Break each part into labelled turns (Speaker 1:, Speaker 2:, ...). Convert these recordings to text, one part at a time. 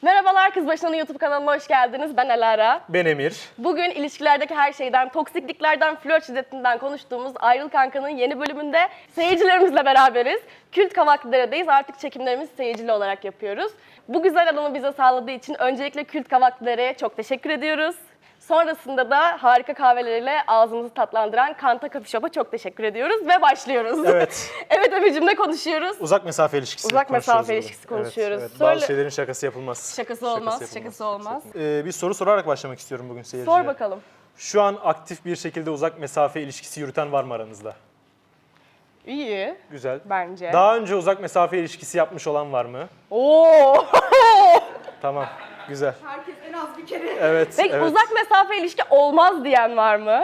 Speaker 1: Merhabalar, Kız Başına'nın YouTube kanalına hoş geldiniz. Ben Alara.
Speaker 2: Ben Emir.
Speaker 1: Bugün ilişkilerdeki her şeyden, toksikliklerden, flört şiddetinden konuştuğumuz Ayrıl Kanka'nın yeni bölümünde seyircilerimizle beraberiz. Kült Kavaklıdere'deyiz. Artık çekimlerimizi seyircili olarak yapıyoruz. Bu güzel alanı bize sağladığı için öncelikle Kült Kavaklıdere'ye çok teşekkür ediyoruz. Sonrasında da harika kahveleriyle ağzımızı tatlandıran Kanta Coffee Shop'a çok teşekkür ediyoruz ve başlıyoruz.
Speaker 2: Evet.
Speaker 1: Evet Emir'cim, ne konuşuyoruz?
Speaker 2: Uzak mesafe ilişkisi
Speaker 1: Uzak mesafe
Speaker 2: konuşuyoruz
Speaker 1: ilişkisi
Speaker 2: burada.
Speaker 1: konuşuyoruz.
Speaker 2: Evet.
Speaker 1: Söyle.
Speaker 2: Bazı şeylerin şakası yapılmaz.
Speaker 1: Şakası olmaz, şakası olmaz.
Speaker 2: Bir soru sorarak başlamak istiyorum bugün seyirciye.
Speaker 1: Sor bakalım.
Speaker 2: Şu an aktif bir şekilde uzak mesafe ilişkisi yürüten var mı aranızda?
Speaker 1: İyi.
Speaker 2: Güzel.
Speaker 1: Bence.
Speaker 2: Daha önce uzak mesafe ilişkisi yapmış olan var mı?
Speaker 1: Oo.
Speaker 2: Tamam. Güzel.
Speaker 3: Herkes en az bir kere.
Speaker 2: Evet.
Speaker 1: Peki
Speaker 2: evet.
Speaker 1: uzak mesafe ilişki olmaz diyen var mı?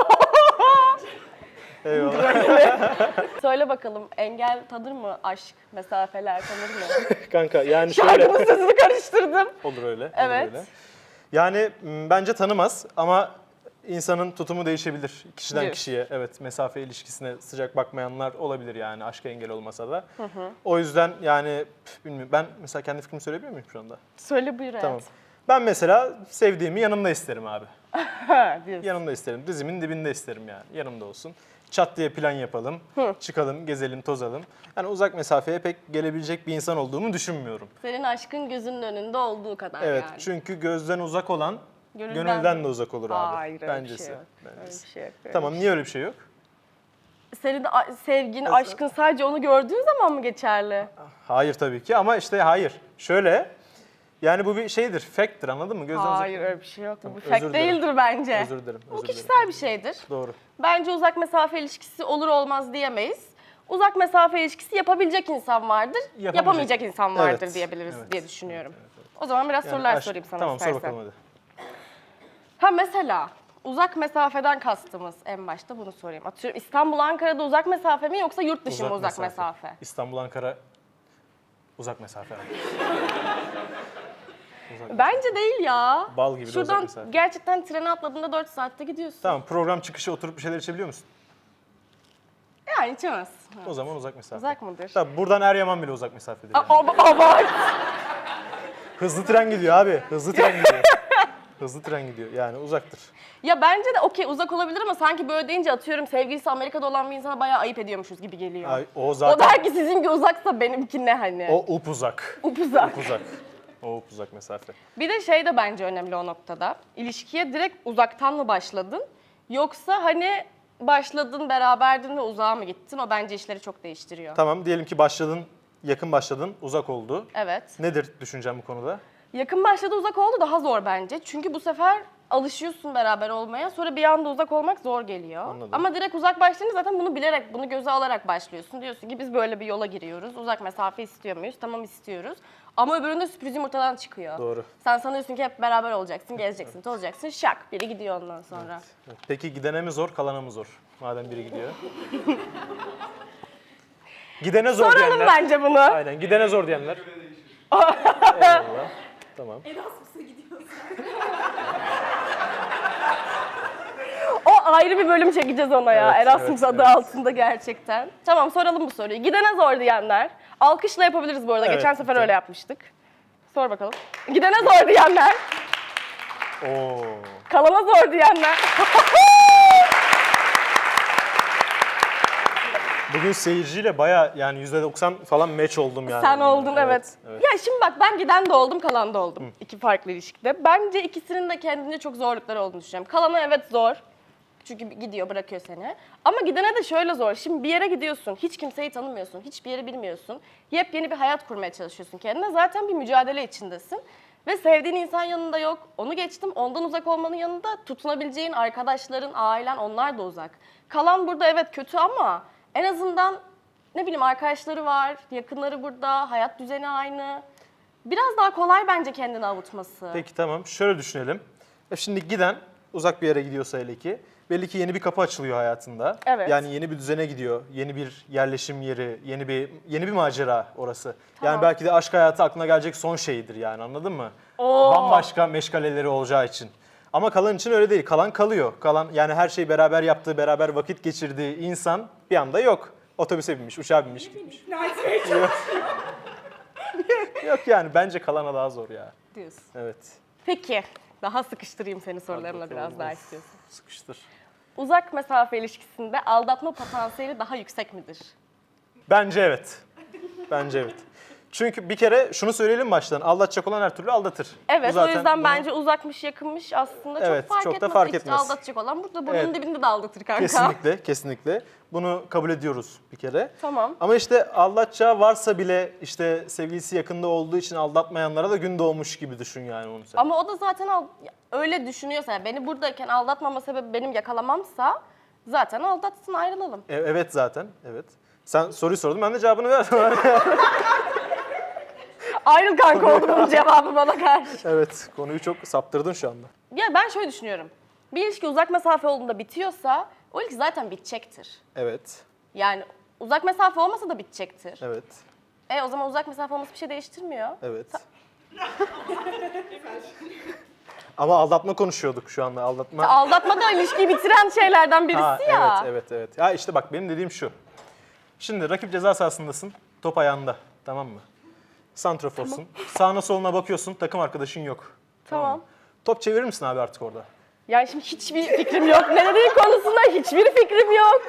Speaker 2: Eyvallah.
Speaker 1: Söyle bakalım, engel tanır mı? Aşk, mesafeler tanır mı?
Speaker 2: Kanka yani şöyle.
Speaker 1: Şarkının sözünü karıştırdım.
Speaker 2: Olur öyle.
Speaker 1: Evet.
Speaker 2: Olur öyle. Yani bence tanımaz ama insanın tutumu değişebilir kişiden
Speaker 1: Diyorsun.
Speaker 2: kişiye. Evet, mesafe ilişkisine sıcak bakmayanlar olabilir yani aşka engel olmasa da. O yüzden yani bilmiyorum, ben mesela kendi fikrimi söyleyebilir miyim şu anda?
Speaker 1: Söyle buyur
Speaker 2: Tamam.
Speaker 1: hayatım.
Speaker 2: Ben mesela sevdiğimi yanımda isterim abi.
Speaker 1: Diyorsun.
Speaker 2: Yanımda isterim. Dizimin dibinde isterim yani. Yanımda olsun. Çat diye plan yapalım. Çıkalım, gezelim, tozalım. Yani uzak mesafeye pek gelebilecek bir insan olduğumu düşünmüyorum.
Speaker 1: Senin aşkın gözünün önünde olduğu kadar
Speaker 2: Evet,
Speaker 1: yani.
Speaker 2: çünkü gözden uzak olan
Speaker 1: Gönülden
Speaker 2: gönülden de uzak olur abi.
Speaker 1: Hayır, öyle bir
Speaker 2: Bencesi.
Speaker 1: şey yok. Öyle
Speaker 2: Bencesi.
Speaker 1: bir şey yok. öyle
Speaker 2: Tamam,
Speaker 1: bir
Speaker 2: niye öyle bir şey yok?
Speaker 1: şey. Senin sevgin, aşkın sadece onu gördüğün zaman mı geçerli?
Speaker 2: Hayır tabii ki ama işte hayır. Şöyle, yani bu bir şeydir, fact'tir, anladın mı? Gözden uzak.
Speaker 1: Hayır, öyle bir şey yok. Bu
Speaker 2: Özür
Speaker 1: fact
Speaker 2: dilerim.
Speaker 1: değildir bence.
Speaker 2: Özür dilerim.
Speaker 1: Bu
Speaker 2: özür
Speaker 1: kişisel
Speaker 2: dilerim.
Speaker 1: bir şeydir.
Speaker 2: Doğru.
Speaker 1: Bence uzak mesafe ilişkisi olur olmaz diyemeyiz. Uzak mesafe ilişkisi yapabilecek insan vardır, yapamayacak insan vardır
Speaker 2: Evet,
Speaker 1: diyebiliriz
Speaker 2: evet,
Speaker 1: diye düşünüyorum.
Speaker 2: evet.
Speaker 1: O zaman biraz
Speaker 2: Yani
Speaker 1: sorular
Speaker 2: aşk-
Speaker 1: sorayım sana
Speaker 2: Tamam,
Speaker 1: istersen.
Speaker 2: sor bakalım hadi.
Speaker 1: Ha mesela uzak mesafeden kastımız, en başta bunu sorayım. Atıyorum İstanbul Ankara'da uzak mesafe mi yoksa yurt dışı mı uzak mesafe?
Speaker 2: İstanbul, Ankara uzak mesafe.
Speaker 1: Bence değil ya.
Speaker 2: Bal gibi de uzak
Speaker 1: Şuradan
Speaker 2: mesafe.
Speaker 1: gerçekten trene atladığında 4 saatte gidiyorsun.
Speaker 2: Tamam, program çıkışı oturup bir şeyler içebiliyor musun?
Speaker 1: Yani içemez.
Speaker 2: O zaman uzak mesafe.
Speaker 1: Uzak mıdır?
Speaker 2: Tabii buradan Eryaman bile uzak mesafedir. Yani.
Speaker 1: Abart.
Speaker 2: Hızlı tren gidiyor abi. Hızlı tren gidiyor. Hızlı tren gidiyor. Yani uzaktır.
Speaker 1: Ya bence de okey uzak olabilir ama sanki böyle deyince atıyorum sevgilisi Amerika'da olan bir insana bayağı ayıp ediyormuşuz gibi geliyor.
Speaker 2: Ay, o
Speaker 1: O
Speaker 2: zaten
Speaker 1: der ki sizinki uzaksa benimki ne hani?
Speaker 2: o upuzak.
Speaker 1: Upuzak.
Speaker 2: Uzak. O upuzak mesafe.
Speaker 1: Bir de şey de bence önemli o noktada. İlişkiye direkt uzaktan mı başladın? Yoksa hani başladın, beraberdin ve uzağa mı gittin? O bence işleri çok değiştiriyor.
Speaker 2: Tamam, diyelim ki başladın, yakın başladın, uzak oldu.
Speaker 1: Evet.
Speaker 2: Nedir düşüncem bu konuda?
Speaker 1: Yakın başladı, uzak oldu daha zor bence. Çünkü bu sefer alışıyorsun beraber olmaya. Sonra bir anda uzak olmak zor geliyor.
Speaker 2: Anladım.
Speaker 1: Ama direkt uzak başlayınca zaten bunu bilerek, bunu göze alarak başlıyorsun. Diyorsun ki biz böyle bir yola giriyoruz. Uzak mesafe istiyor muyuz? Tamam, istiyoruz. Ama öbüründe sürpriz yumurtadan çıkıyor.
Speaker 2: Doğru.
Speaker 1: Sen sanıyorsun ki hep beraber olacaksın, gezeceksin, tozacaksın. Şak, biri gidiyor ondan sonra.
Speaker 2: Evet. Peki gidene mi zor, kalana mı zor? Madem biri gidiyor. Gidene zor
Speaker 1: Soralım
Speaker 2: diyenler.
Speaker 1: bence bunu.
Speaker 2: Aynen, gidene zor diyenler. Eyvallah. Tamam.
Speaker 3: Erasmus'a gidiyorsun.
Speaker 1: O ayrı bir bölüm çekeceğiz ona ya.
Speaker 2: Evet,
Speaker 1: Erasmus
Speaker 2: evet,
Speaker 1: adı
Speaker 2: evet.
Speaker 1: altında gerçekten. Tamam, soralım bu soruyu. Gidene zor diyenler. Alkışla yapabiliriz bu arada.
Speaker 2: Evet,
Speaker 1: Geçen sefer
Speaker 2: lütfen.
Speaker 1: öyle yapmıştık. Sor bakalım. Gidene zor diyenler.
Speaker 2: Oo.
Speaker 1: Kalana zor diyenler.
Speaker 2: Bugün seyirciyle baya yani %90 falan match oldum yani.
Speaker 1: Sen oldun, evet.
Speaker 2: evet.
Speaker 1: Ya şimdi bak, ben giden de oldum, kalan da oldum. İki farklı ilişkide. Bence ikisinin de kendince çok zorlukları olduğunu düşünüyorum. Kalana evet zor. Çünkü gidiyor, bırakıyor seni. Ama gidene de şöyle zor. Şimdi bir yere gidiyorsun, hiç kimseyi tanımıyorsun, hiçbir yeri bilmiyorsun. Yepyeni bir hayat kurmaya çalışıyorsun kendine. Zaten bir mücadele içindesin. Ve sevdiğin insan yanında yok. Onu geçtim, ondan uzak olmanın yanında tutunabileceğin arkadaşların, ailen, onlar da uzak. Kalan burada evet kötü ama en azından ne bileyim arkadaşları var, yakınları burada, hayat düzeni aynı. Biraz daha kolay bence kendini avutması.
Speaker 2: Peki tamam, şöyle düşünelim. Şimdi giden uzak bir yere gidiyorsa hele ki, belli ki yeni bir kapı açılıyor hayatında.
Speaker 1: Evet.
Speaker 2: Yani yeni bir düzene gidiyor, yeni bir yerleşim yeri, yeni bir macera orası.
Speaker 1: Tamam.
Speaker 2: Yani belki de aşk hayatı aklına gelecek son şeyidir yani, anladın mı?
Speaker 1: Oo.
Speaker 2: Bambaşka meşgaleleri olacağı için. Ama kalan için öyle değil. Kalan kalıyor. Kalan yani her şeyi beraber yaptığı, beraber vakit geçirdiği insan bir anda yok. Otobüse binmiş, uçağa binmiş, gitmiş.
Speaker 3: İkna etmeye çalışıyor.
Speaker 2: Yok yani bence kalana daha zor ya.
Speaker 1: Diyorsun.
Speaker 2: Evet.
Speaker 1: Peki, daha sıkıştırayım seni sorularımla
Speaker 2: bakalım.
Speaker 1: biraz daha
Speaker 2: Of.
Speaker 1: istiyorsun.
Speaker 2: Sıkıştır.
Speaker 1: Uzak mesafe ilişkisinde aldatma potansiyeli daha yüksek midir?
Speaker 2: Bence evet. Bence evet. Çünkü bir kere şunu söyleyelim baştan. Aldatacak olan her türlü aldatır.
Speaker 1: Evet,
Speaker 2: Bu
Speaker 1: o yüzden
Speaker 2: bunu-
Speaker 1: bence uzakmış yakınmış aslında
Speaker 2: Evet,
Speaker 1: çok fark
Speaker 2: çok da
Speaker 1: etmez.
Speaker 2: fark
Speaker 1: İşte
Speaker 2: etmez.
Speaker 1: aldatacak olan burada burnunun
Speaker 2: Evet.
Speaker 1: dibinde de aldatır kanka.
Speaker 2: Kesinlikle, kesinlikle. Bunu kabul ediyoruz bir kere.
Speaker 1: Tamam.
Speaker 2: Ama işte aldatacağı varsa bile işte sevgilisi yakında olduğu için aldatmayanlara da gün doğmuş gibi düşün yani onu sen.
Speaker 1: Ama o da zaten öyle düşünüyorsa, yani beni buradayken aldatmama sebebi benim yakalamamsa zaten aldatsın, ayrılalım.
Speaker 2: Evet zaten, evet. Sen soruyu sordun, ben de cevabını verdim.
Speaker 1: Ayrıl kanka oldu bunun cevabı bana karşı.
Speaker 2: Evet, konuyu çok saptırdın şu anda.
Speaker 1: Ya ben şöyle düşünüyorum. Bir ilişki uzak mesafe olduğunda bitiyorsa o ilişki zaten bitecektir.
Speaker 2: Evet,
Speaker 1: Yani uzak mesafe olmasa da bitecektir.
Speaker 2: evet,
Speaker 1: O zaman uzak mesafe olması bir şey değiştirmiyor.
Speaker 2: evet. Ama aldatma konuşuyorduk şu anda, aldatma.
Speaker 1: Aldatma da ilişkiyi bitiren şeylerden birisi
Speaker 2: Ha,
Speaker 1: ya.
Speaker 2: evet. Ya işte bak benim dediğim şu. Şimdi rakip ceza sahasındasın, top ayağında, tamam mı? Santraforsun, sağına soluna bakıyorsun, takım arkadaşın yok.
Speaker 1: Tamam.
Speaker 2: mı? Top çevirir misin abi artık orada?
Speaker 1: Yani şimdi hiçbir fikrim yok. Ne dediğin konusunda hiçbir fikrim yok.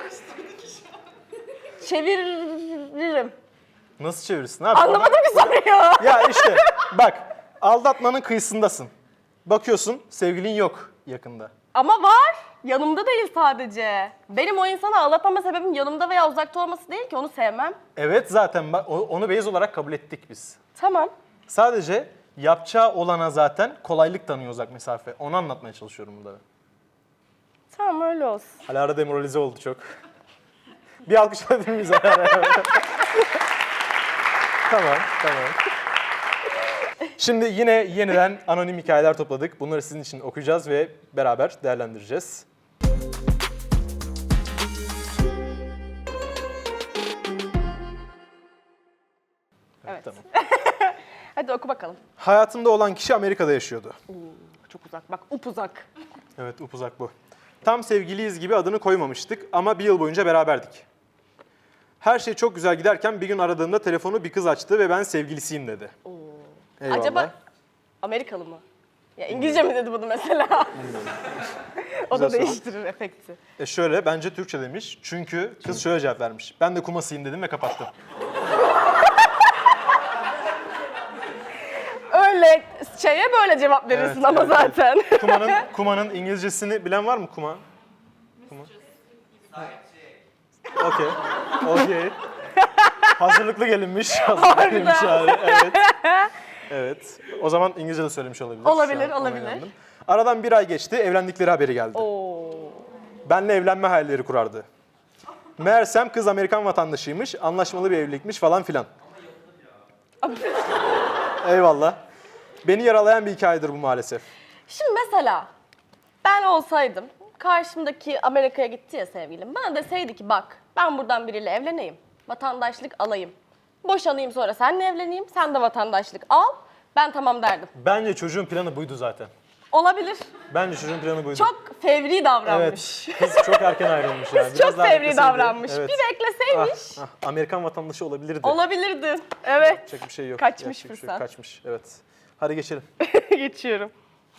Speaker 1: Çeviririm.
Speaker 2: Nasıl çevirirsin abi? Orada-
Speaker 1: Anlamadım ki soruyu.
Speaker 2: Ya işte bak, aldatmanın kıyısındasın. Bakıyorsun, sevgilin yok yakında.
Speaker 1: Ama var. Yanımda değil sadece. Benim o insanı aldatmama sebebim yanımda veya uzakta olması değil ki, onu sevmem.
Speaker 2: Evet zaten bak, onu base olarak kabul ettik biz.
Speaker 1: Tamam.
Speaker 2: Sadece yapacağı olana zaten kolaylık tanıyor uzak mesafe. Onu anlatmaya çalışıyorum burada.
Speaker 1: Tamam, öyle olsun.
Speaker 2: Alara demoralize oldu çok. Bir alkış alabilir miyiz Alara? Tamam. Şimdi yine yeniden anonim hikayeler topladık. Bunları sizin için okuyacağız ve beraber değerlendireceğiz.
Speaker 1: Evet.
Speaker 2: Tamam.
Speaker 1: Hadi oku bakalım.
Speaker 2: Hayatımda olan kişi Amerika'da yaşıyordu.
Speaker 1: Çok uzak. Bak, upuzak.
Speaker 2: Evet, upuzak bu. Tam sevgiliyiz gibi adını koymamıştık ama bir yıl boyunca beraberdik. Her şey çok güzel giderken bir gün aradığımda telefonu bir kız açtı ve ben sevgilisiyim dedi. Eyvallah.
Speaker 1: Acaba Amerikalı mı? Ya İngilizce mi dedi bunu mesela? O
Speaker 2: Güzel
Speaker 1: da
Speaker 2: soru.
Speaker 1: değiştirir efekti.
Speaker 2: Şöyle, bence Türkçe demiş. Çünkü kız şöyle cevap vermiş. Ben de kumasıyım dedim ve kapattım.
Speaker 1: Öyle şeye böyle cevap verirsin
Speaker 2: Evet,
Speaker 1: ama
Speaker 2: evet,
Speaker 1: zaten.
Speaker 2: Kumanın İngilizcesini bilen var mı kuma? Kuma. Okey. Hazırlıklı gelinmiş. Hazırlıklı gelinmiş abi. Evet. Evet. O zaman İngilizce de söylemiş olabilir.
Speaker 1: Olabilir,
Speaker 2: Şu an ona
Speaker 1: olabilir.
Speaker 2: inandım. Aradan bir ay geçti, evlendikleri haberi geldi.
Speaker 1: Oo.
Speaker 2: Benle evlenme hayalleri kurardı. Meğersem kız Amerikan vatandaşıymış, anlaşmalı bir evlilikmiş falan filan. Eyvallah. Beni yaralayan bir hikayedir bu maalesef.
Speaker 1: Şimdi mesela ben olsaydım, karşımdaki Amerika'ya gitti ya sevgilim, bana deseydi ki bak ben buradan biriyle evleneyim, vatandaşlık alayım, boşanayım sonra seninle evleneyim, sen de vatandaşlık al, ben tamam derdim.
Speaker 2: Bence çocuğun planı buydu zaten.
Speaker 1: Olabilir.
Speaker 2: Bence çocuğun planı buydu.
Speaker 1: Çok fevri davranmış.
Speaker 2: Evet, kız çok erken ayrılmış yani.
Speaker 1: Kız
Speaker 2: Biraz
Speaker 1: çok
Speaker 2: daha
Speaker 1: fevri
Speaker 2: bekleseydi,
Speaker 1: davranmış.
Speaker 2: evet.
Speaker 1: Bir bekleseymiş.
Speaker 2: Amerikan vatandaşı olabilirdi.
Speaker 1: Olabilirdi. Evet.
Speaker 2: Yapacak bir şey yok.
Speaker 1: Kaçmış
Speaker 2: Yapacak bir şey yok.
Speaker 1: fırsat.
Speaker 2: Kaçmış, evet. Hadi geçelim.
Speaker 1: Geçiyorum.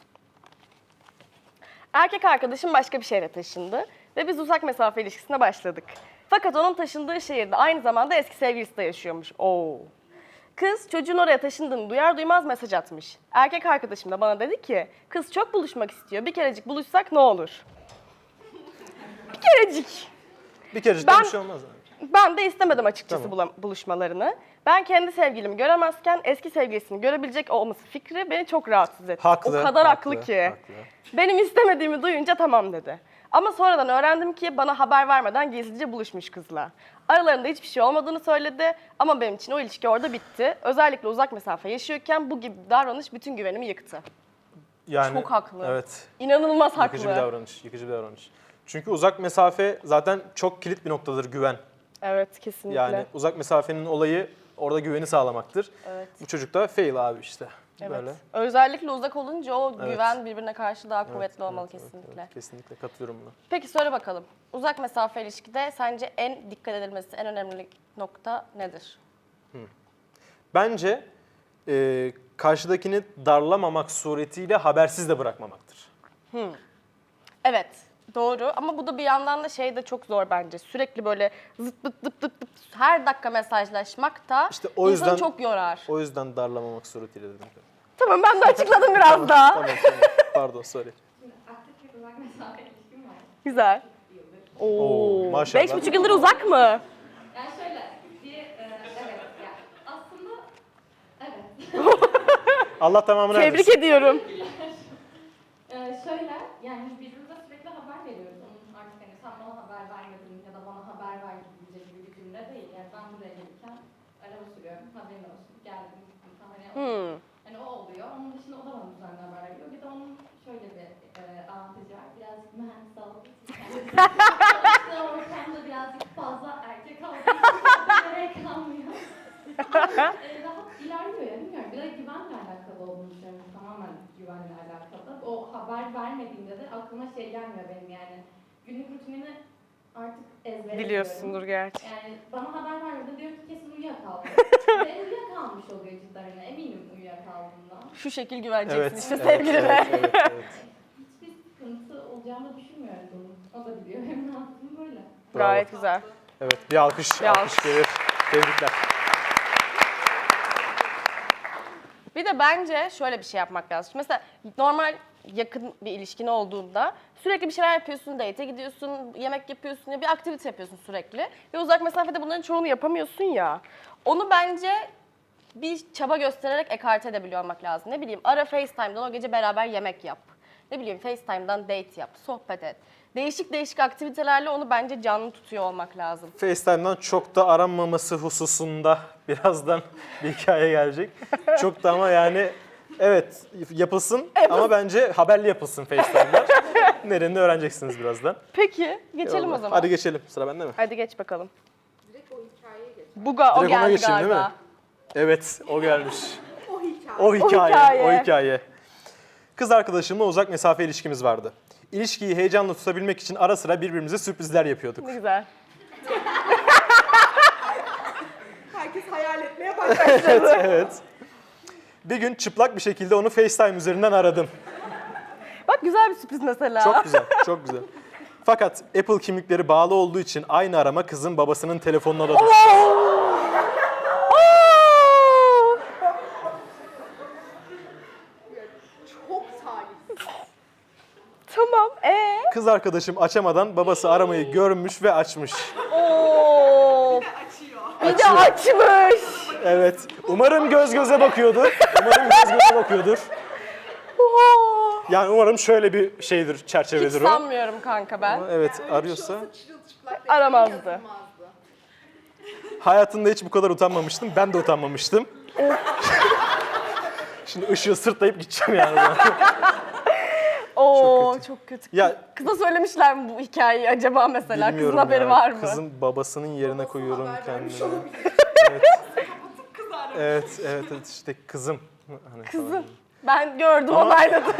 Speaker 1: Erkek arkadaşım başka bir şehre taşındı ve biz uzak mesafe ilişkisine başladık. Fakat onun taşındığı şehirde aynı zamanda eski sevgilisi de yaşıyormuş. Oo. Kız çocuğun oraya taşındığını duyar duymaz mesaj atmış. Erkek arkadaşım da bana dedi ki, kız çok buluşmak istiyor, bir kerecik buluşsak ne olur? Bir kerecik.
Speaker 2: Bir kere
Speaker 1: Ben-
Speaker 2: bir şey olmaz. Yani.
Speaker 1: Ben de istemedim açıkçası
Speaker 2: Tamam.
Speaker 1: buluşmalarını. Ben kendi sevgilimi göremezken eski sevgilisini görebilecek olması fikri beni çok rahatsız etti.
Speaker 2: Haklı.
Speaker 1: O kadar haklı ki.
Speaker 2: Haklı.
Speaker 1: Benim istemediğimi duyunca tamam dedi. Ama sonradan öğrendim ki bana haber vermeden gizlice buluşmuş kızla. Aralarında hiçbir şey olmadığını söyledi ama benim için o ilişki orada bitti. Özellikle uzak mesafe yaşıyorken bu gibi bir davranış bütün güvenimi yıktı.
Speaker 2: Yani,
Speaker 1: Çok haklı.
Speaker 2: Evet.
Speaker 1: İnanılmaz haklı.
Speaker 2: Yıkıcı bir davranış. Yıkıcı bir davranış. Çünkü uzak mesafe zaten çok kilit bir noktadır güven.
Speaker 1: Evet, kesinlikle.
Speaker 2: Yani uzak mesafenin olayı orada güveni sağlamaktır.
Speaker 1: Evet.
Speaker 2: Bu çocuk da fail abi işte.
Speaker 1: Evet.
Speaker 2: Böyle.
Speaker 1: Özellikle uzak olunca o
Speaker 2: Evet.
Speaker 1: güven birbirine karşı daha kuvvetli
Speaker 2: Evet,
Speaker 1: olmalı
Speaker 2: evet,
Speaker 1: kesinlikle.
Speaker 2: evet, kesinlikle katılıyorum buna.
Speaker 1: Peki söyle bakalım. Uzak mesafe ilişkide sence en dikkat edilmesi, en önemli nokta nedir?
Speaker 2: Bence Karşıdakini darlamamak suretiyle habersiz de bırakmamaktır.
Speaker 1: Evet, doğru ama bu da bir yandan da şey de çok zor bence. Sürekli böyle zıt pıt zıt pıt pıt her dakika mesajlaşmak da
Speaker 2: İşte o
Speaker 1: insanı
Speaker 2: yüzden-
Speaker 1: çok yorar.
Speaker 2: O yüzden darlamamak suretiyle dedim.
Speaker 1: Tamam, ben de açıkladım biraz daha.
Speaker 2: Tamam. Pardon, sorry.
Speaker 3: Şimdi aktif bir uzak mesafe ilişkim var.
Speaker 1: Güzel.
Speaker 2: Oo, maşallah.
Speaker 1: 5,5 yıldır uzak mı?
Speaker 3: Yani şöyle evet ya aslında evet.
Speaker 2: Allah tamamını
Speaker 1: Tebrik
Speaker 2: erdirsin.
Speaker 1: ediyorum.
Speaker 3: Şöyle yani birbirimize sürekli haber veriyoruz. Onun artık hani sen bana haber vermedin ya da bana haber ver gibi bir cümle değil. Yani ben buraya gelirken araba sürüyorum. Haberin olsun. Geldim. Gittim. Hani o oluyor. Onun dışında o da bana düzenli haber veriyor. Bir de onun şöyle bir avantajı var. Birazcık mühendis olduğu için. İşte ortamda birazcık fazla erkek olduğu için gerek kalmıyor. Rahat ilerliyor ya bilmiyorum. Bir de güvenle alakalı olduğunu düşünüyorum. Tamamen güvenle alakalı. O haber vermediğimde de aklıma şey gelmiyor benim yani. Günlük rutinini artık ezbere
Speaker 1: Biliyorsundur gerçi.
Speaker 3: biliyorum. Yani bana haber vermedi diyor ki kesin uyuyakaldı. Ve uyuyakalmış oluyor cidden hani eminim uyuyakaldığından.
Speaker 1: Şu şekil güveneceksin
Speaker 2: Evet,
Speaker 1: işte
Speaker 2: evet,
Speaker 1: sevgilime.
Speaker 2: evet.
Speaker 3: Hiçbir sıkıntı olacağını düşünmüyorum bunun. O da biliyor. Hem ne yaptığımı böyle.
Speaker 1: Gayet güzel.
Speaker 2: Evet, bir alkış,
Speaker 1: Bir
Speaker 2: alkış
Speaker 1: alkış.
Speaker 2: gelir. Tebrikler.
Speaker 1: Bir de bence şöyle bir şey yapmak lazım. Mesela normal yakın bir ilişkin olduğunda sürekli bir şeyler yapıyorsun, date'e gidiyorsun, yemek yapıyorsun ya bir aktivite yapıyorsun sürekli. Ve uzak mesafede bunların çoğunu yapamıyorsun ya. Onu bence bir çaba göstererek ekarte edebiliyor olmak lazım. Ne bileyim ara FaceTime'dan o gece beraber yemek yap. Ne bileyim FaceTime'dan date yap, sohbet et. Değişik değişik aktivitelerle onu bence canlı tutuyor olmak lazım.
Speaker 2: FaceTime'dan çok da aranmaması hususunda birazdan bir hikaye gelecek. Çok da ama yani evet yapılsın ama bence haberli yapılsın FaceTime'lar. Nerenini öğreneceksiniz birazdan.
Speaker 1: Peki geçelim
Speaker 2: Eyvallah.
Speaker 1: o zaman.
Speaker 2: Hadi geçelim. Sıra bende mi?
Speaker 1: Hadi geç bakalım.
Speaker 3: Direkt o hikayeye geç.
Speaker 1: O
Speaker 2: Direkt ona
Speaker 1: geldi
Speaker 2: geçeyim, değil mi?
Speaker 1: galiba.
Speaker 2: Evet, o gelmiş.
Speaker 3: O hikaye.
Speaker 2: O hikaye,
Speaker 1: hikaye.
Speaker 2: o hikaye. Kız arkadaşımla uzak mesafe ilişkimiz vardı. İlişkiyi heyecanla tutabilmek için ara sıra birbirimize sürprizler yapıyorduk.
Speaker 1: Ne güzel.
Speaker 3: Herkes hayal etmeye başladı.
Speaker 2: Evet. Bir gün çıplak bir şekilde onu FaceTime üzerinden aradım.
Speaker 1: Bak güzel bir sürpriz mesela.
Speaker 2: Çok güzel, çok güzel. Fakat Apple kimlikleri bağlı olduğu için aynı arama kızın babasının telefonuna da düştü.
Speaker 3: Çok talihsiz.
Speaker 1: Tamam.
Speaker 2: Kız arkadaşım açamadan babası aramayı görmüş ve açmış.
Speaker 1: Oo.
Speaker 3: Açıyor.
Speaker 1: Bir de açmış.
Speaker 2: Evet. Umarım göz göze bakıyordur. Umarım göz göze bakıyordur.
Speaker 1: Oo.
Speaker 2: Yani umarım şöyle bir şeydir,
Speaker 1: Hiç
Speaker 2: çerçevedir o.
Speaker 1: sanmıyorum kanka ben.
Speaker 2: Ama evet
Speaker 3: Yani öyle bir
Speaker 2: arıyorsa.
Speaker 3: şey olsa çırılçıplak
Speaker 1: Aramazdı.
Speaker 3: yazılmazdı.
Speaker 2: Hayatımda hiç bu kadar utanmamıştım. Ben de utanmamıştım. Şimdi ışığı sırtlayıp gideceğim yani. ben.
Speaker 1: Oo çok kötü.
Speaker 2: Ya
Speaker 1: Kıza söylemişler mi bu hikayeyi acaba mesela? Kızın
Speaker 2: bilmiyorum
Speaker 1: haberi
Speaker 2: ya.
Speaker 1: var mı?
Speaker 2: Kızın babasının yerine koyuyorum
Speaker 3: Haber vermiş
Speaker 2: kendimi.
Speaker 3: olabilir.
Speaker 2: Evet.
Speaker 3: Kapatıp kız aramış.
Speaker 2: Evet işte kızım. Hani falan.
Speaker 1: Kızım. Ben gördüm,
Speaker 2: Ama-
Speaker 1: onayladım.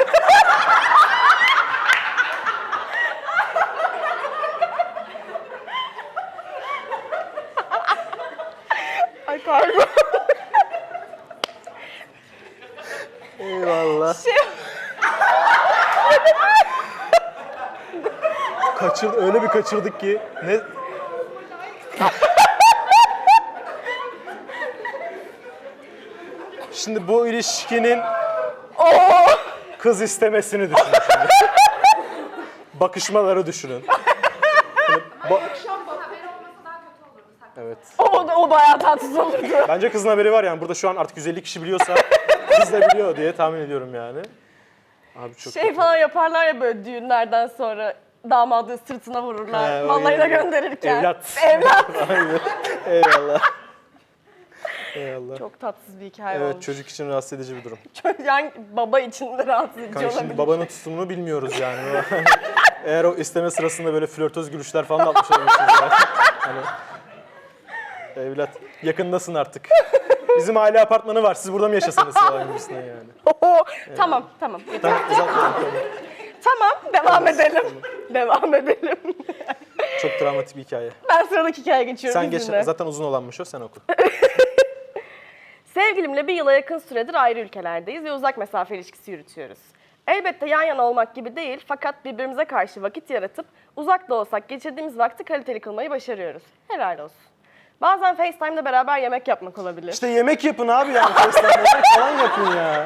Speaker 1: Ay pardon.
Speaker 2: Eyvallah.
Speaker 1: Şey-
Speaker 2: Öyle bir kaçırdık ki. Ne? Şimdi bu ilişkinin
Speaker 1: Oo.
Speaker 2: kız istemesini düşünün şimdi. Bakışmaları düşünün. Hani
Speaker 3: Akşam bak. Haber olmasa daha kötü olurdu.
Speaker 2: evet.
Speaker 1: O bayağı tatsız olurdu.
Speaker 2: Bence kızın haberi var yani. Burada şu an artık 150 kişi biliyorsa kız da biliyor diye tahmin ediyorum yani. Abi çok
Speaker 1: Şey
Speaker 2: kötü.
Speaker 1: falan yaparlar ya böyle düğünlerden sonra damadı sırtına vururlar.
Speaker 2: He, o
Speaker 1: Mallarına
Speaker 2: iyi.
Speaker 1: gönderirken.
Speaker 2: Evlat.
Speaker 1: Evlat.
Speaker 2: Aynen. Eyvallah. Eyvallah.
Speaker 1: Çok tatsız bir hikaye
Speaker 2: Evet
Speaker 1: olmuş.
Speaker 2: çocuk için rahatsız edici bir durum.
Speaker 1: Yani baba için de rahatsız edici
Speaker 2: Kanka
Speaker 1: olabilir.
Speaker 2: şimdi babanın tutumunu bilmiyoruz yani. Eğer o isteme sırasında böyle flörtöz gülüşler falan da atmış olabilirsiniz yani. Hani, evlat yakındasın artık. Bizim aile apartmanı var. Siz burada mı yaşasanız falan gibisinden yani.
Speaker 1: Oho, tamam.
Speaker 2: Tamam uzatmayalım.
Speaker 1: Tamam, devam edelim. Devam edelim.
Speaker 2: Çok dramatik bir hikaye.
Speaker 1: Ben sıradaki hikayeye geçiyorum
Speaker 2: Sen geç.
Speaker 1: izninle.
Speaker 2: Zaten uzun olanmış o. Sen oku.
Speaker 1: Sevgilimle bir yıla yakın süredir ayrı ülkelerdeyiz ve uzak mesafe ilişkisi yürütüyoruz. Elbette yan yana olmak gibi değil fakat birbirimize karşı vakit yaratıp uzak da olsak geçirdiğimiz vakti kaliteli kılmayı başarıyoruz. Helal olsun. Bazen FaceTime'da beraber yemek yapmak olabilir.
Speaker 2: İşte yemek yapın abi yani. FaceTime'da falan yapın ya.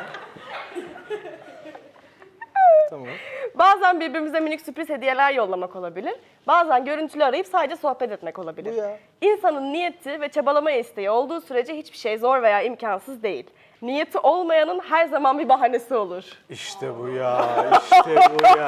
Speaker 2: Tamam.
Speaker 1: Bazen birbirimize minik sürpriz hediyeler yollamak olabilir. Bazen görüntülü arayıp sadece sohbet etmek olabilir.
Speaker 2: Bu ya.
Speaker 1: İnsanın niyeti ve çabalama isteği olduğu sürece hiçbir şey zor veya imkansız değil. Niyeti olmayanın her zaman bir bahanesi olur.
Speaker 2: İşte bu ya. İşte bu ya.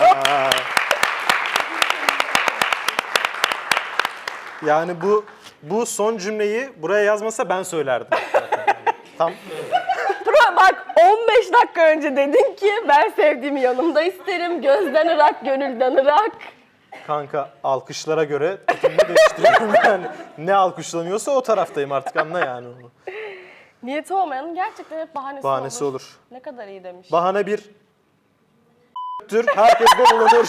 Speaker 2: Yani bu son cümleyi buraya yazmasa ben söylerdim. Tam
Speaker 1: Bak 15 dakika önce dedin ki ben sevdiğimi yanımda isterim. Gözden ırak, gönülden ırak.
Speaker 2: kanka alkışlara göre tutumu değiştiriyorum yani. Ne alkışlanıyorsa o taraftayım artık, anla yani onu.
Speaker 1: Niyeti olmayanın gerçekten hep bahanesi
Speaker 2: Olur.
Speaker 1: Ne kadar iyi demiş.
Speaker 2: Bahane bir tür herkeste bulunur.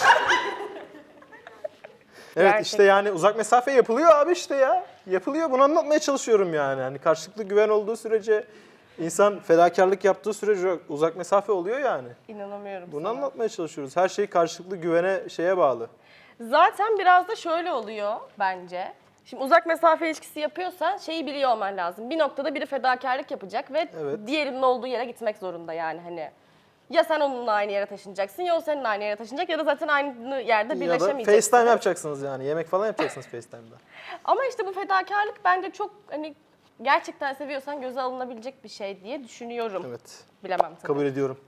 Speaker 2: Evet
Speaker 1: Gerçekten.
Speaker 2: işte yani uzak mesafe yapılıyor abi işte ya. Yapılıyor, bunu anlatmaya çalışıyorum yani. Hani karşılıklı güven olduğu sürece, insan fedakarlık yaptığı sürece uzak mesafe oluyor yani.
Speaker 1: İnanamıyorum
Speaker 2: Bunu
Speaker 1: sana.
Speaker 2: anlatmaya çalışıyoruz. Her şey karşılıklı güvene, şeye bağlı.
Speaker 1: Zaten biraz da şöyle oluyor bence. Şimdi uzak mesafe ilişkisi yapıyorsan şeyi biliyor olman lazım. Bir noktada biri fedakarlık yapacak ve
Speaker 2: Evet.
Speaker 1: diğerinin olduğu yere gitmek zorunda yani hani. Ya sen onunla aynı yere taşınacaksın ya o seninle aynı yere taşınacak ya da zaten aynı yerde
Speaker 2: Ya da
Speaker 1: birleşemeyeceksiniz.
Speaker 2: FaceTime yapacaksınız yani. Yemek falan yapacaksınız FaceTime'da.
Speaker 1: Ama işte bu fedakarlık bence çok hani gerçekten seviyorsan göze alınabilecek bir şey diye düşünüyorum.
Speaker 2: Evet.
Speaker 1: Bilemem tabii.
Speaker 2: Kabul ediyorum.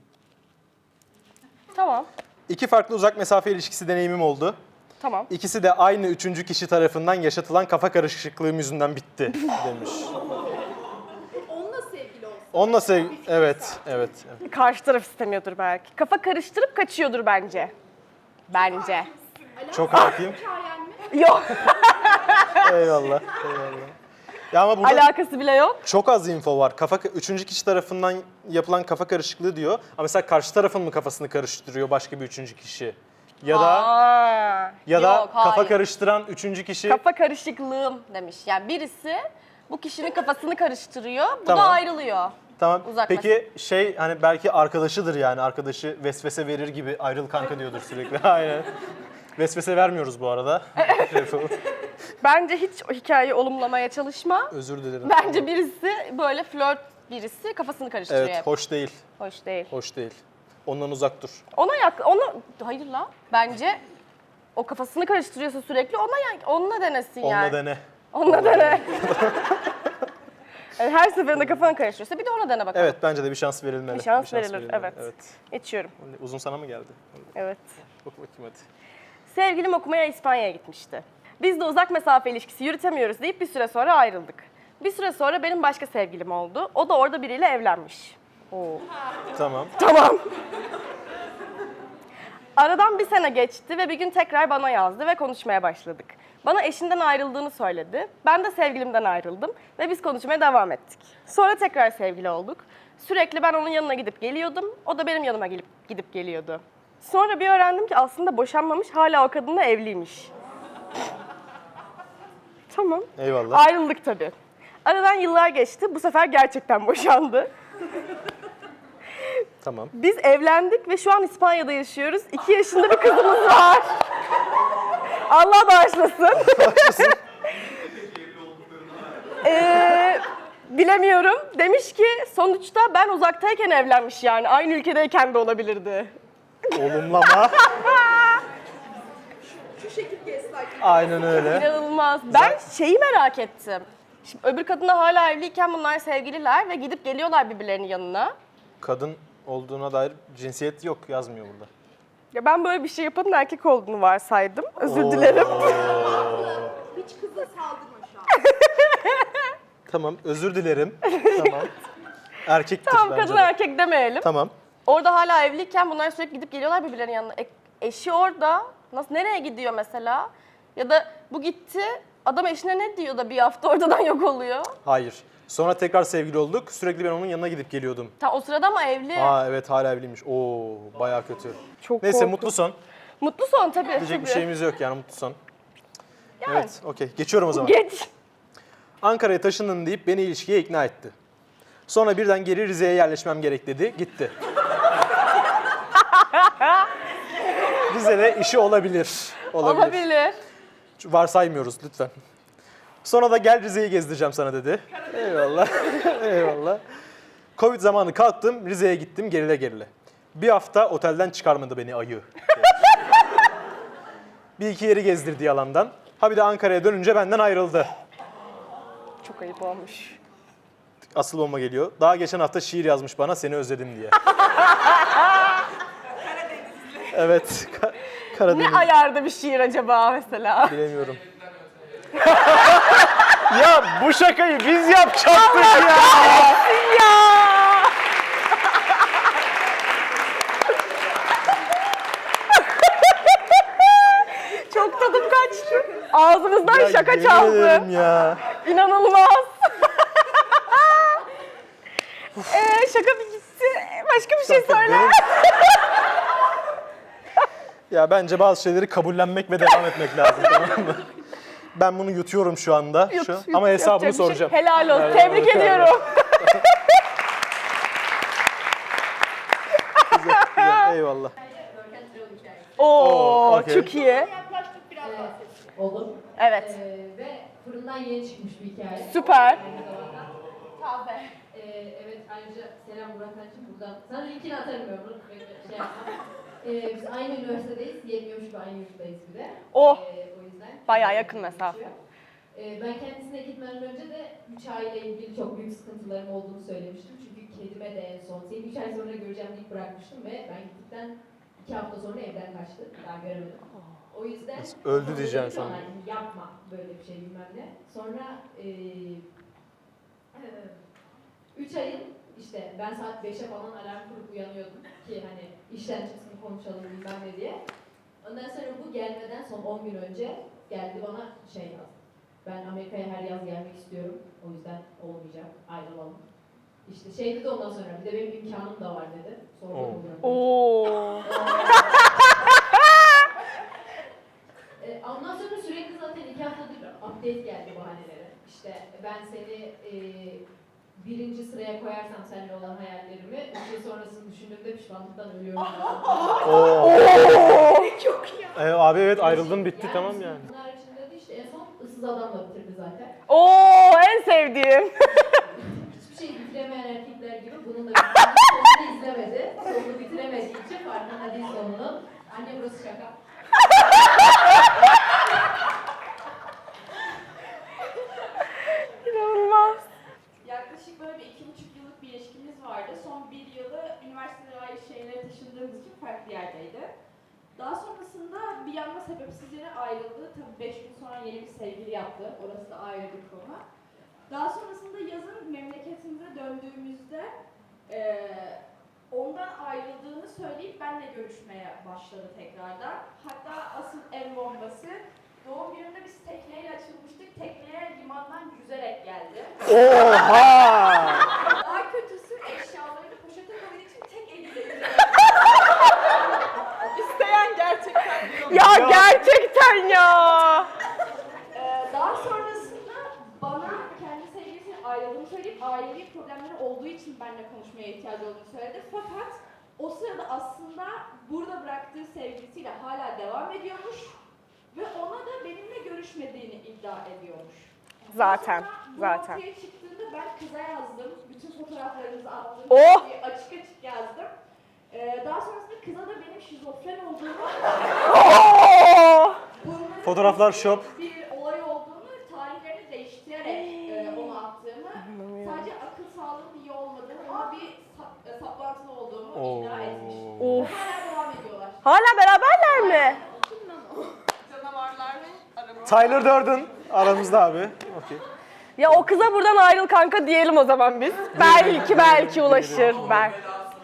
Speaker 1: Tamam.
Speaker 2: 2 farklı uzak mesafe ilişkisi deneyimim oldu.
Speaker 1: Tamam.
Speaker 2: İkisi de aynı üçüncü kişi tarafından yaşatılan kafa karışıklığım yüzünden bitti demiş.
Speaker 4: Onunla sevgili olsun.
Speaker 2: Onunla evet.
Speaker 1: Karşı taraf istemiyordur belki. Kafa karıştırıp kaçıyordur bence. Bence.
Speaker 2: Çok hakim.
Speaker 4: Hikayen mi?
Speaker 1: Yok.
Speaker 2: Eyvallah. Ya ama burada
Speaker 1: Alakası bile yok.
Speaker 2: çok az info var. Üçüncü kişi tarafından yapılan kafa karışıklığı diyor. Ama mesela karşı tarafın mı kafasını karıştırıyor başka bir üçüncü kişi? Ya da
Speaker 1: Yok,
Speaker 2: kafa
Speaker 1: hayır.
Speaker 2: karıştıran üçüncü kişi.
Speaker 1: Kafa karışıklığım demiş. Yani birisi bu kişinin kafasını karıştırıyor, bu
Speaker 2: Tamam.
Speaker 1: da ayrılıyor.
Speaker 2: Tamam.
Speaker 1: Uzak
Speaker 2: Peki hani belki arkadaşıdır yani. Arkadaşı vesvese verir gibi ayrıl kanka diyordur sürekli. Aynen. Vesvese vermiyoruz bu arada.
Speaker 1: Bence hiç o hikayeyi olumlamaya çalışma.
Speaker 2: Özür dilerim.
Speaker 1: Bence birisi böyle flört birisi kafasını karıştırıyor
Speaker 2: Evet,
Speaker 1: hep.
Speaker 2: hoş değil.
Speaker 1: Hoş değil.
Speaker 2: Hoş değil. Ondan uzak dur.
Speaker 1: Hayır la. Bence o kafasını karıştırıyorsa sürekli onunla denesin
Speaker 2: Onunla
Speaker 1: yani.
Speaker 2: dene.
Speaker 1: Onunla dene. Yani her seferinde kafan karıştırıyorsa bir de ona dene bakalım.
Speaker 2: Evet, bence de bir şans verilmeli.
Speaker 1: Bir şans verilir, evet.
Speaker 2: Evet.
Speaker 1: Geçiyorum.
Speaker 2: Uzun sana mı geldi?
Speaker 1: Evet.
Speaker 2: Oku bakayım hadi.
Speaker 1: Sevgilim okumaya İspanya'ya gitmişti. Biz de uzak mesafe ilişkisi yürütemiyoruz deyip bir süre sonra ayrıldık. Bir süre sonra benim başka sevgilim oldu. O da orada biriyle evlenmiş. Oo.
Speaker 2: Tamam.
Speaker 1: Tamam. Aradan bir sene geçti ve bir gün tekrar bana yazdı ve konuşmaya başladık. Bana eşinden ayrıldığını söyledi. Ben de sevgilimden ayrıldım ve biz konuşmaya devam ettik. Sonra tekrar sevgili olduk. Sürekli ben onun yanına gidip geliyordum. O da benim yanıma gidip geliyordu. Sonra bir öğrendim ki aslında boşanmamış, hala o kadınla evliymiş. Tamam.
Speaker 2: Eyvallah.
Speaker 1: Ayrıldık tabii. Aradan yıllar geçti. Bu sefer gerçekten boşandı.
Speaker 2: Tamam.
Speaker 1: Biz evlendik ve şu an İspanya'da yaşıyoruz. 2 yaşında bir kızımız var. Allah bağışlasın. Bilemiyorum. Demiş ki sonuçta ben uzaktayken evlenmiş yani. Aynı ülkedeyken de olabilirdi.
Speaker 2: Olumlama.
Speaker 4: Şu şekil gaslight.
Speaker 2: Aynen öyle.
Speaker 1: İnanılmaz. Ben şeyi merak ettim. Şimdi öbür kadınla hala evliyken bunlar sevgililer ve gidip geliyorlar birbirlerinin yanına.
Speaker 2: Kadın olduğuna dair cinsiyet yok, yazmıyor burada.
Speaker 1: Ya ben böyle bir şey yapanın erkek olduğunu varsaydım. Özür dilerim.
Speaker 4: Hiç kıza saldırma şu an.
Speaker 2: Tamam, özür dilerim. Tamam. Erkektir
Speaker 1: Tamam
Speaker 2: bence
Speaker 1: kadın
Speaker 2: de.
Speaker 1: erkek demeyelim.
Speaker 2: Tamam.
Speaker 1: Orada hala evliyken bunlar sürekli gidip geliyorlar birbirlerinin yanına. Eşi orada. Nereye gidiyor mesela? Ya da bu gitti, adam eşine ne diyor da bir hafta oradan yok oluyor?
Speaker 2: Hayır. Sonra tekrar sevgili olduk. Sürekli ben onun yanına gidip geliyordum.
Speaker 1: O sırada ama evli.
Speaker 2: Aa evet, hala evliymiş. Oo, bayağı kötü.
Speaker 1: Çok
Speaker 2: Neyse,
Speaker 1: korkunç.
Speaker 2: mutlu son.
Speaker 1: Mutlu son tabii.
Speaker 2: Diyecek bir
Speaker 1: tabii.
Speaker 2: şeyimiz yok yani, mutlu son.
Speaker 1: Yani.
Speaker 2: Evet, okey. Geçiyorum o zaman.
Speaker 1: Geç.
Speaker 2: Ankara'ya taşındın deyip beni ilişkiye ikna etti. Sonra birden geri Rize'ye yerleşmem gerek dedi. Gitti. Rize'de işi olabilir.
Speaker 1: Olabilir.
Speaker 2: Varsaymıyoruz lütfen. Sonra da gel Rize'yi gezdireceğim sana dedi. Eyvallah. Eyvallah. Covid zamanı kalktım, Rize'ye gittim gerile gerile. Bir hafta otelden çıkarmadı beni ayı. Bir iki yeri gezdirdi yalandan. Ha bir de Ankara'ya dönünce benden ayrıldı.
Speaker 1: Çok ayıp olmuş.
Speaker 2: Asıl bomba geliyor. Daha geçen hafta şiir yazmış bana seni özledim diye. Evet. Karadeniz.
Speaker 1: Ne ayarda bir şiir acaba mesela?
Speaker 2: Bilemiyorum. Ya bu şakayı biz yapacaktık ya.
Speaker 1: Ya! Çok tadım kaçtı. Ağzımızdan
Speaker 2: Ya
Speaker 1: şaka
Speaker 2: yemin
Speaker 1: çaldı.
Speaker 2: ederim ya.
Speaker 1: İnanılmaz. Şaka bir gitti. Başka bir şey söyle.
Speaker 2: Benim- Ya bence bazı şeyleri kabullenmek ve devam etmek lazım, tamam mı? Ben bunu yutuyorum şu anda.
Speaker 1: Yut,
Speaker 2: Şu.
Speaker 1: yut.
Speaker 2: Ama hesabını
Speaker 1: Yapacak bir şey-
Speaker 2: soracağım.
Speaker 1: Helal olsun.
Speaker 2: Evet,
Speaker 1: Tebrik
Speaker 2: evet,
Speaker 1: ediyorum.
Speaker 2: Güzel, eyvallah.
Speaker 1: Oo,
Speaker 2: okey.
Speaker 1: çok iyi.
Speaker 4: Yaklaştık biraz bahsetsin.
Speaker 3: Olur.
Speaker 1: Evet.
Speaker 3: Ve fırından yeni çıkmış bir hikaye.
Speaker 1: Süper.
Speaker 3: Aynı zamanda.
Speaker 4: Taze.
Speaker 3: Evet, ayrıca selam Burak Hanç'ın buradan. Sana linkini atarım ben bunu. Şey yapmam. Biz aynı üniversitedeyiz. Yetmiyormuş gibi aynı yurttayız bir de.
Speaker 1: Oh.
Speaker 3: O yüzden.
Speaker 1: Bayağı yakın mesafe.
Speaker 3: Ben kendisine gitmeden önce de 3 aileyle ilgili çok büyük sıkıntılarım olduğunu söylemiştim. Çünkü kedime de en son seni 3 ay sonra göreceğim deyip bırakmıştım ve ben gittikten 2 hafta sonra evden kaçtı. Daha göremedim. O yüzden
Speaker 2: Öldü diyeceğim
Speaker 3: dedim ki ona,
Speaker 2: sandım.
Speaker 3: yapma böyle bir şey bilmem ne. Sonra 3 ayın işte ben saat 5'e falan alarm kurup uyanıyordum ki hani işten çıksın konuşalım bilmem ne diye. Ondan sonra bu gelmeden son 10 gün önce geldi bana şey yazdı. Ben Amerika'ya her yaz gelmek istiyorum. O yüzden olmayacak. Ayrılalım. İşte şey dedi ondan sonra bir de benim imkanım da var dedi. Sonra
Speaker 2: Oo.
Speaker 1: Oo.
Speaker 3: Ondan sonra sürekli zaten 2 haftadır update geldi bahanelere. İşte ben seni birinci sıraya koyarsam seninle olan hayallerimi 3 yıl sonrasını düşündüğümde pişmanlıktan ölüyorum.
Speaker 4: Çok iyi.
Speaker 2: Abi evet ayrıldın bitti tamam yani.
Speaker 3: Bunun haricinde de işte en son ıssız adamla bitirdi zaten.
Speaker 1: Oo, en sevdiğim.
Speaker 3: Hiçbir şey bitiremeyen erkekler gibi bunun da bitirdi. Sonunu izlemedi. Sonunu bitiremediği için farkında değil sonunun. Anne burası şaka.
Speaker 1: İnanılmaz.
Speaker 5: Yaklaşık böyle bir 2,5 yıllık bir ilişkimiz vardı. Son 1 yılı üniversiteye ait şeylere taşındığımız için farklı yerdeydi. Daha sonrasında bir anda sebepsiz yere ayrıldı. Tabii 5 gün sonra yeni bir sevgili yaptı. Orası da ayrı bir konu. Daha sonrasında yazın memleketimize döndüğümüzde ondan ayrıldığını söyleyip benimle görüşmeye başladı tekrardan. Hatta asıl en bombası doğum gününde biz tekneyle açılmıştık. Tekneye limandan yüzerek geldi.
Speaker 2: Oha!
Speaker 5: Daha kötüsü eşyalarını poşete koyduğu için tek eliyle yüzerek.
Speaker 4: İsteyen gerçekten diyor.
Speaker 1: Ya gerçekten ya.
Speaker 5: Daha sonrasında bana kendi sevgilisinin ayrıldığını söyleyip ailevi problemleri olduğu için benimle konuşmaya ihtiyacı olduğunu söyledi. Fakat o sırada aslında burada bıraktığı sevgilisiyle hala devam ediyormuş ve ona da benimle görüşmediğini iddia ediyormuş.
Speaker 1: Zaten,
Speaker 5: Sonra bu
Speaker 1: zaten.
Speaker 5: ortaya çıktığında ben kıza yazdım. Bütün fotoğraflarımızı attım.
Speaker 1: Oh!
Speaker 5: Açık açık yazdım. Daha sonrasında kıza da benim şizofren olduğumu,
Speaker 1: Oo.
Speaker 5: bunların
Speaker 2: Fotoğraflar şop.
Speaker 5: bir olay olduğunu, tarihlerini değiştirerek onu attığımı, sadece akıl sağlığının iyi olmadığını, ona bir saplantılı olduğumu iddia etmiş.
Speaker 1: Of.
Speaker 5: Hala devam ediyorlar.
Speaker 1: Hala beraberler mi?
Speaker 4: Canavarlar mı? Araba.
Speaker 2: Tyler Durden aramızda abi. Okey.
Speaker 1: Ya o kıza buradan ayrıl kanka diyelim o zaman biz. Belki ulaşır. Belki.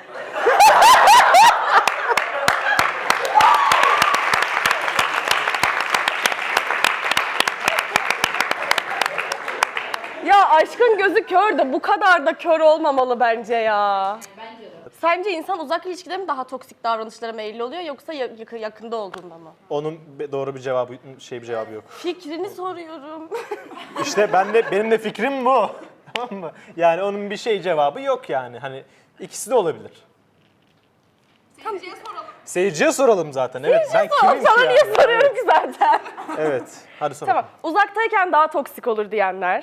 Speaker 1: Ya aşkın gözü kör de bu kadar da kör olmamalı bence ya.
Speaker 3: Bence de.
Speaker 1: Sence insan uzak ilişkide mi daha toksik davranışlara meyilli oluyor yoksa yakında olduğunda mı?
Speaker 2: Onun doğru bir cevabı bir cevabı yok.
Speaker 1: Fikrini soruyorum.
Speaker 2: İşte benim de fikrim bu. Tamam mı? Yani onun bir şey cevabı yok yani. Hani ikisi de olabilir.
Speaker 4: Seyirciye soralım.
Speaker 2: Seyirciye soralım zaten. Evet. Ben
Speaker 1: Tamam,
Speaker 2: kimim ki
Speaker 1: sana
Speaker 2: yani?
Speaker 1: niye soruyorum ki zaten?
Speaker 2: Evet. Hadi sor.
Speaker 1: Tamam. Uzaktayken daha toksik olur diyenler.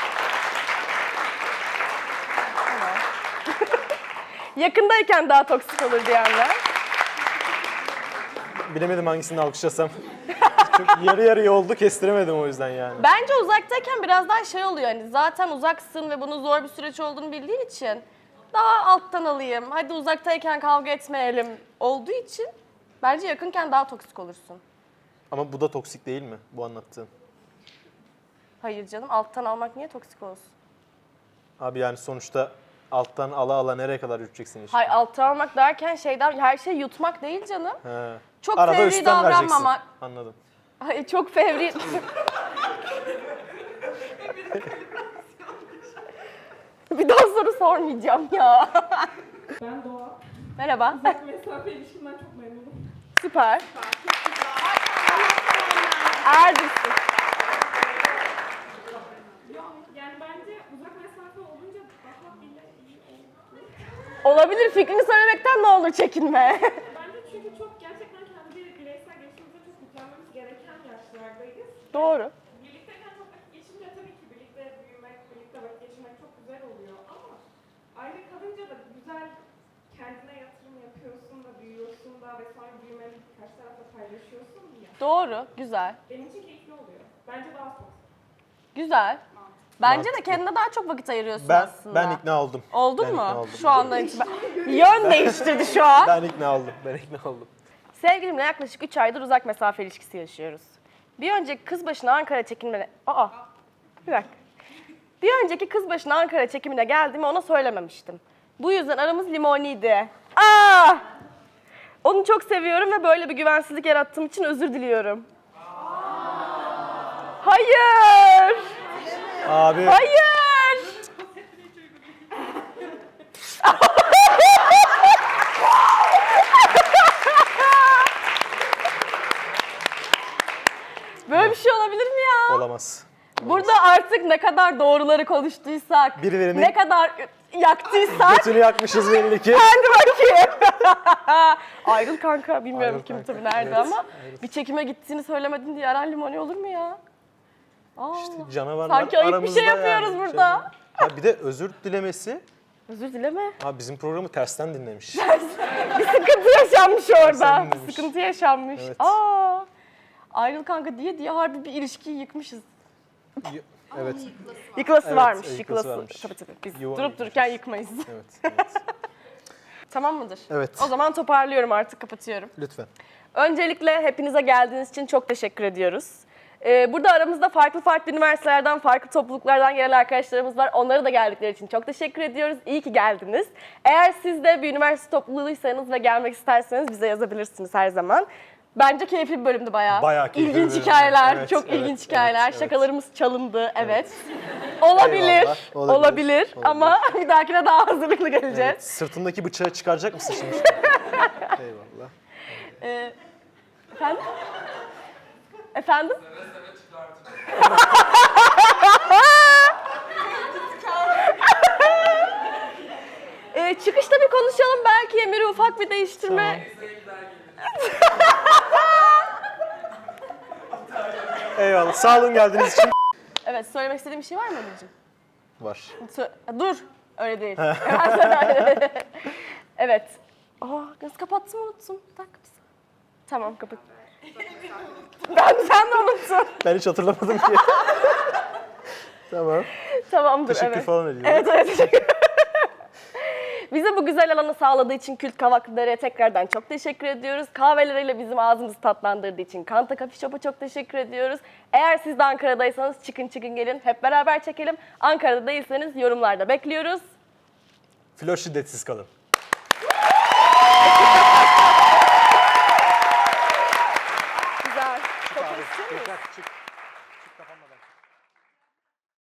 Speaker 1: Tamam. Yakındayken daha toksik olur diyenler.
Speaker 2: Bilemedim hangisini alkışlasam. Çünkü yarı yarıya oldu, kestiremedim o yüzden yani.
Speaker 1: Bence uzaktayken biraz daha şey oluyor hani zaten uzaksın ve bunun zor bir süreç olduğunu bildiğin için daha alttan alayım. Hadi uzaktayken kavga etmeyelim olduğu için bence yakınken daha toksik olursun.
Speaker 2: Ama bu da toksik değil mi bu anlattığın?
Speaker 1: Hayır canım alttan almak niye toksik olsun?
Speaker 2: Abi yani sonuçta alttan ala ala nereye kadar yürüteceksin işte?
Speaker 1: Hayır alttan almak derken şeyden her şeyi yutmak değil canım.
Speaker 2: He.
Speaker 1: Çok
Speaker 2: Arada
Speaker 1: fevri
Speaker 2: üstten vereceksin.
Speaker 1: davranmamak.
Speaker 2: Anladım.
Speaker 1: Hayır çok fevri. Bir daha soru sormayacağım ya.
Speaker 5: Ben Doğa.
Speaker 1: Merhaba.
Speaker 5: Uzak mesafe ilişkimden çok memnunum.
Speaker 1: Süper. Erdisin.
Speaker 5: Yani bence uzak mesafe olunca daha bile iyi olur.
Speaker 1: Olabilir fikrini söylemekten ne olur çekinme.
Speaker 5: Bence çünkü çok gerçekten kendi bireysel gelişimimize çok yüklenmemiz gereken yaşlardayız.
Speaker 1: Doğru.
Speaker 5: Birlikteyken çok vakit geçince tabii ki birlikte büyümek, birlikte vakit geçirmek çok güzel oluyor ama ayrı kalınca da güzel kendine yatırım yapıyorsun da büyüyorsun da ve sonra büyümeni karşı tarafla paylaşıyorsun ya.
Speaker 1: Doğru. Güzel.
Speaker 5: Benim için keyifli oluyor. Bence daha çok.
Speaker 1: Güzel. Bence de
Speaker 2: Mantıklı.
Speaker 1: kendine daha çok vakit ayırıyorsun
Speaker 2: Ben
Speaker 1: aslında.
Speaker 2: ben ikna oldum.
Speaker 1: Oldun
Speaker 2: Ben
Speaker 1: mu?
Speaker 2: ikna oldum.
Speaker 1: Şu andan itibaren. Yön değiştirdi şu an.
Speaker 2: Ben ikna oldum. Ben ikna oldum.
Speaker 1: Sevgilimle yaklaşık 3 aydır uzak mesafe ilişkisi yaşıyoruz. Bir önceki kız başına Ankara çekimine... Bir dakika. Bir önceki kız başına Ankara çekimine geldiğimi ona söylememiştim. Bu yüzden aramız limoniydi. Onu çok seviyorum ve böyle bir güvensizlik yarattığım için özür diliyorum. Hayır!
Speaker 2: Abi
Speaker 1: Hayır! Böyle bir şey olabilir mi ya?
Speaker 2: olamaz.
Speaker 1: Burada artık ne kadar doğruları konuştuysak,
Speaker 2: Birilerinin-
Speaker 1: ne kadar yaktıysak,
Speaker 2: Götünü yakmışız belli ki.
Speaker 1: hadi bakayım. Ayrıl kanka, bilmiyorum
Speaker 2: Ayrıl
Speaker 1: kim
Speaker 2: kanka,
Speaker 1: tabii nerede
Speaker 2: evet,
Speaker 1: ama
Speaker 2: ayrıl.
Speaker 1: bir çekime gittiğini söylemedin diye Eren Limoni olur mu ya? Aa,
Speaker 2: Canavarlar
Speaker 1: sanki ayıp bir
Speaker 2: aramızda
Speaker 1: şey yapıyoruz
Speaker 2: yani.
Speaker 1: burada.
Speaker 2: Ha bir de özür dilemesi.
Speaker 1: Özür dileme.
Speaker 2: Ha bizim programı tersten dinlemiş.
Speaker 1: Bir sıkıntı yaşanmış orada.
Speaker 2: Sen
Speaker 1: Bir
Speaker 2: dinlemiş.
Speaker 1: sıkıntı yaşanmış.
Speaker 2: Evet.
Speaker 1: Aa, ayrıl kanka diye harbi bir ilişkiyi yıkmışız.
Speaker 2: Evet.
Speaker 1: Yıkılası
Speaker 2: Evet,
Speaker 1: varmış,
Speaker 2: yıkılası
Speaker 1: yıkılası.
Speaker 2: varmış.
Speaker 1: Tabii. Biz
Speaker 2: Yuva
Speaker 1: durup dururken yıkmayız.
Speaker 2: Evet. Evet.
Speaker 1: Tamam mıdır?
Speaker 2: Evet.
Speaker 1: O zaman toparlıyorum artık, kapatıyorum.
Speaker 2: Lütfen.
Speaker 1: Öncelikle hepinize geldiğiniz için çok teşekkür ediyoruz. Burada aramızda farklı üniversitelerden, farklı topluluklardan gelen arkadaşlarımız var. Onlara da geldikleri için çok teşekkür ediyoruz. İyi ki geldiniz. Eğer siz de bir üniversite topluluğuysanız ve gelmek isterseniz bize yazabilirsiniz her zaman. Bence keyifli bir bölümdü bayağı.
Speaker 2: Bayağı keyifli bir
Speaker 1: İlginç
Speaker 2: bölümdü.
Speaker 1: hikayeler,
Speaker 2: Evet,
Speaker 1: çok
Speaker 2: evet,
Speaker 1: ilginç hikayeler.
Speaker 2: evet.
Speaker 1: Şakalarımız çalındı, evet. Olabilir,
Speaker 2: Eyvallah, olabilir,
Speaker 1: olabilir ama bir dahakine daha hazırlıklı geleceğiz.
Speaker 2: Evet. Sırtındaki bıçağı çıkaracak mısın şimdi? Eyvallah.
Speaker 1: Efendim? Efendim? Çıkışta bir konuşalım, belki Emir'i ufak bir değiştirme.
Speaker 2: Eyvallah. Sağ olun geldiğiniz için.
Speaker 1: Evet, söylemek istediğim bir şey var mı Emir'cim?
Speaker 2: Var.
Speaker 1: Dur, öyle değil. Hemen söyle. Evet. Nasıl kapattım, unuttum. Bir dakika. Tamam, kapat. Sen de unuttun.
Speaker 2: Ben hiç hatırlamadım ki. Tamam.
Speaker 1: Tamamdır,
Speaker 2: Teşekkür
Speaker 1: evet.
Speaker 2: falan ediyorum.
Speaker 1: Evet, teşekkür. Bize bu güzel alanı sağladığı için Kült Kahvaltıları'ya tekrardan çok teşekkür ediyoruz. Kahveleriyle bizim ağzımızı tatlandırdığı için Kanta Coffee Shop'a çok teşekkür ediyoruz. Eğer siz de Ankara'daysanız çıkın gelin, hep beraber çekelim. Ankara'da değilseniz yorumlarda bekliyoruz.
Speaker 2: Flör şiddetsiz kalın.